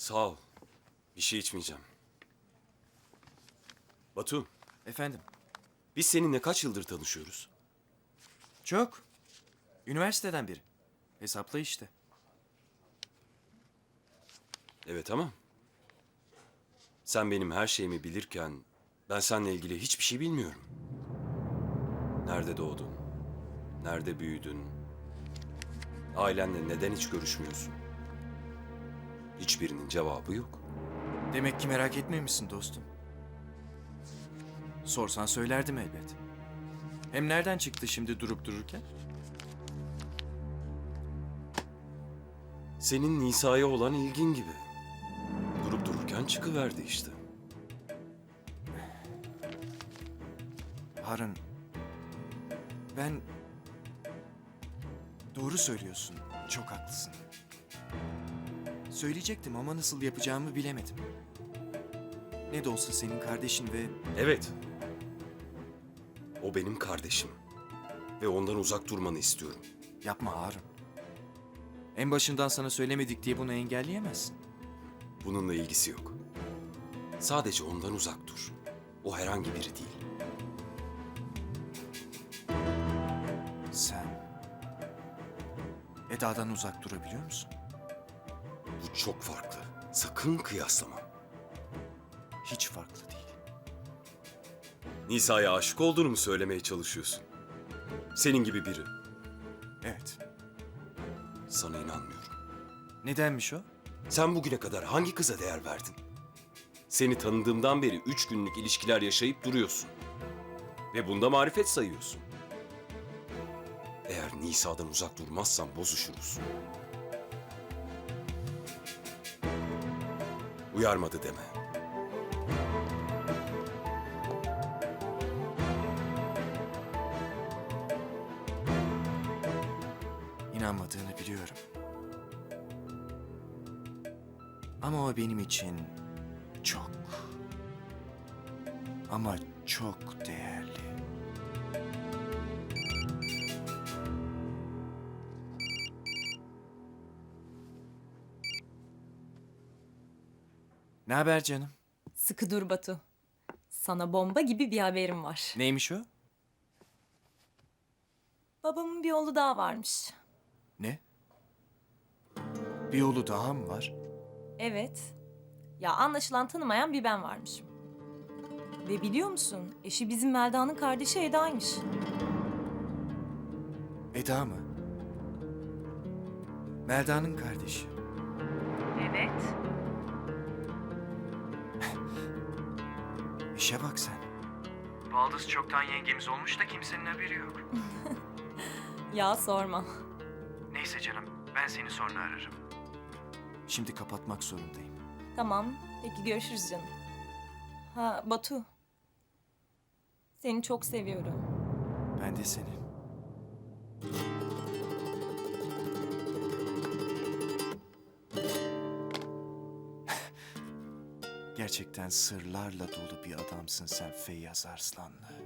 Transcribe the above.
Sağ ol. Bir şey içmeyeceğim. Batu, Efendim? biz seninle kaç yıldır tanışıyoruz? Çok. Üniversiteden beri. Hesapla işte. Evet ama sen benim her şeyimi bilirken ben seninle ilgili hiçbir şey bilmiyorum. Nerede doğdun? Nerede büyüdün? Ailenle neden hiç görüşmüyorsun? Hiçbirinin cevabı yok. Demek ki merak etmemişsin dostum. Sorsan söylerdim elbet. Hem nereden çıktı şimdi durup dururken? Senin Nisa'ya olan ilgin gibi. Durup dururken çıkıverdi işte. Harun, ben... Doğru söylüyorsun. Çok haklısın. Söyleyecektim ama nasıl yapacağımı bilemedim. Ne de olsa senin kardeşin ve... Evet. O benim kardeşim. Ve ondan uzak durmanı istiyorum. Yapma Harun. En başından sana söylemedik diye bunu engelleyemezsin. Bununla ilgisi yok. Sadece ondan uzak dur. O herhangi biri değil. Sen... Eda'dan uzak durabiliyor musun? Bu çok farklı. Sakın kıyaslama. Hiç farklı değil. Nisa'ya aşık olduğunu mu söylemeye çalışıyorsun? Senin gibi biri. Evet. Sana inanmıyorum. Nedenmiş o? Sen bugüne kadar hangi kıza değer verdin? Seni tanıdığımdan beri 3 günlük ilişkiler yaşayıp duruyorsun. Ve bunda marifet sayıyorsun. Eğer Nisa'dan uzak durmazsan bozuşuruz. Uyarmadı deme. İnanmadığını biliyorum. Ama o benim için çok ama çok değerli. Ne haber canım? Sıkı dur Batu. Sana bomba gibi bir haberim var. Neymiş o? Babamın bir oğlu daha varmış. Ne? Bir yolu daha mı var? Evet. Ya anlaşılan tanımayan bir ben varmışım. Ve biliyor musun? Eşi bizim Melda'nın kardeşi Eda'ymış. Eda mı? Melda'nın kardeşi. Evet. İşe bak sen. Baldız çoktan yengemiz olmuş da kimsenin haberi yok. Ya sorma. Neyse canım, ben seni sonra ararım. Şimdi kapatmak zorundayım. Tamam. Peki görüşürüz canım. Ha Batu. Seni çok seviyorum. Ben de seni. Gerçekten sırlarla dolu bir adamsın sen Feyyaz Arslanlı.